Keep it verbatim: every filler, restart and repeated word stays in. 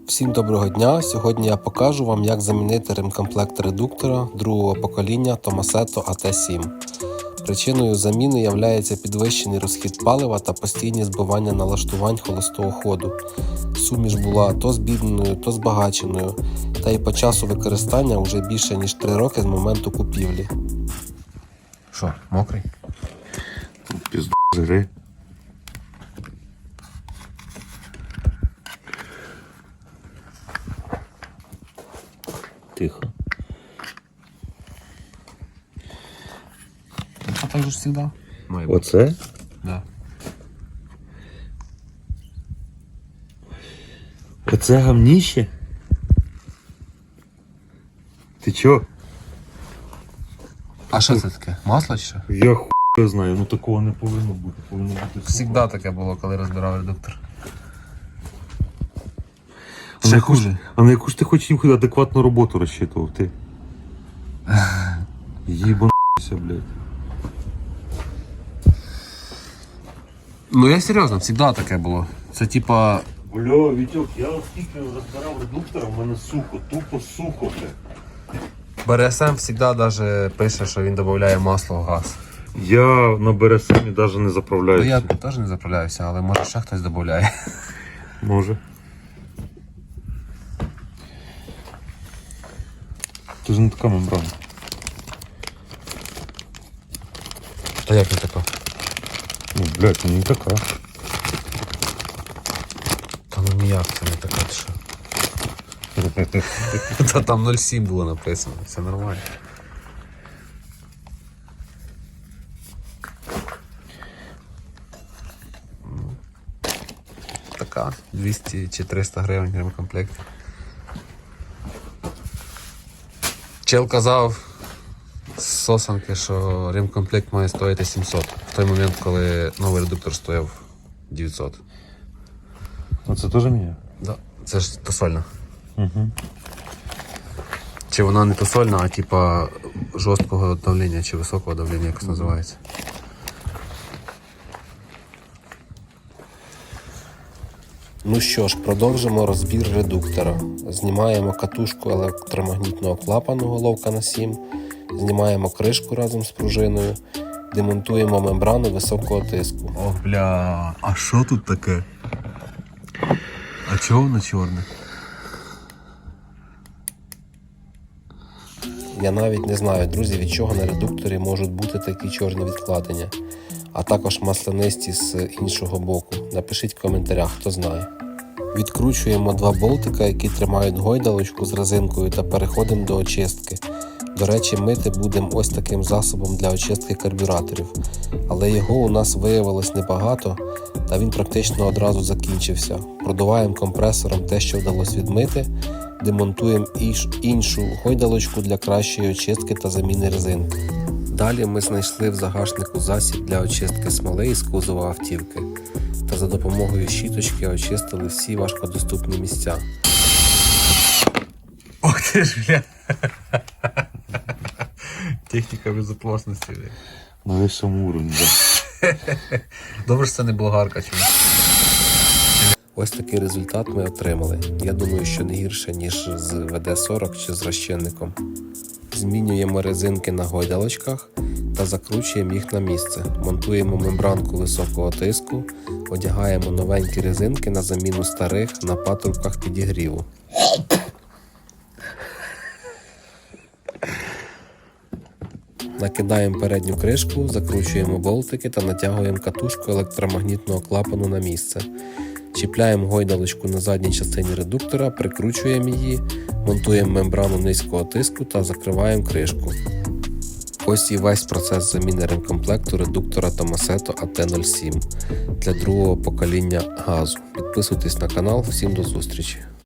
Всім доброго дня! Сьогодні я покажу вам, як замінити ремкомплект редуктора другого покоління Tomasetto а те сім. Причиною заміни є підвищений розхід палива та постійні збивання налаштувань холостого ходу. Суміш була то збідненою, то збагаченою, та й по часу використання вже більше ніж три роки з моменту купівлі. Що, мокрий? Пізду жри. Тихо. А так же ж завжди. Оце? Да. Оце гавніще? Ти чо? А що це таке? Масло чи що? Я хуй знаю, ну такого не повинно бути. Повинно бути Всегда таке було, коли розбирав редуктор. А на яку ж, а на яку ж ти хочеш їм адекватну роботу розчитував, ти? Їбануйся, блядь. Ну я серйозно, завжди таке було. Це типа... Бля, Вітьок, я оскільки розбирав редуктора, в мене сухо, тупо сухо, блядь. Б Р С М завжди даже пише, що він додає масло в газ. Я на Б Р С М навіть не заправляюся. Ну, я теж не заправляюся, але може ще хтось додає. Може. Це ж не така мембрана. Та як не така? Ну, блядь, ну не така. Та ну ніяк це не така, ти що? Та там нуль сім було написано, все нормально. Така, двісті чи триста гривень ремкомплект. Чел казав з сосанки, що ремкомплект має стоїти сімсот. В той момент, коли новий редуктор стояв дев'ятсот. А це теж мені? Да. Це ж тосольна. Угу. Чи вона не тосольна, а типа жорсткого давлення чи високого давлення, якось називається. Ну що ж, продовжимо розбір редуктора. Знімаємо катушку електромагнітного клапану головка на сім, знімаємо кришку разом з пружиною, демонтуємо мембрану високого тиску. О, бля, а що тут таке? А чого воно чорне? Я навіть не знаю, друзі, від чого на редукторі можуть бути такі чорні відкладення, а також маслянисті з іншого боку. Напишіть в коментарях, хто знає. Відкручуємо два болтика, які тримають гойдалочку з резинкою, та переходимо до очистки. До речі, мити будемо ось таким засобом для очистки карбюраторів, але його у нас виявилось небагато, та він практично одразу закінчився. Продуваємо компресором те, що вдалося відмити, демонтуємо іншу гойдалочку для кращої очистки та заміни резинки. Далі ми знайшли в загашнику засіб для очистки смоли із кузова автівки, та за допомогою щіточки очистили всі важкодоступні місця. Ох ти ж, бля! Техніка безопасності. На вищому уровні, да. Добре, що це не болгарка чому. Ось такий результат ми отримали. Я думаю, що не гірше, ніж з В Д сорок чи з розчинником. Змінюємо резинки на гойдалочках та закручуємо їх на місце. Монтуємо мембранку високого тиску, одягаємо новенькі резинки на заміну старих на патрубках підігріву. Накидаємо передню кришку, закручуємо болтики та натягуємо катушку електромагнітного клапану на місце. Чіпляємо гойдалочку на задній частині редуктора, прикручуємо її, монтуємо мембрану низького тиску та закриваємо кришку. Ось і весь процес заміни ремкомплекту редуктора Tomasetto а те нуль сім для другого покоління газу. Підписуйтесь на канал, всім до зустрічі!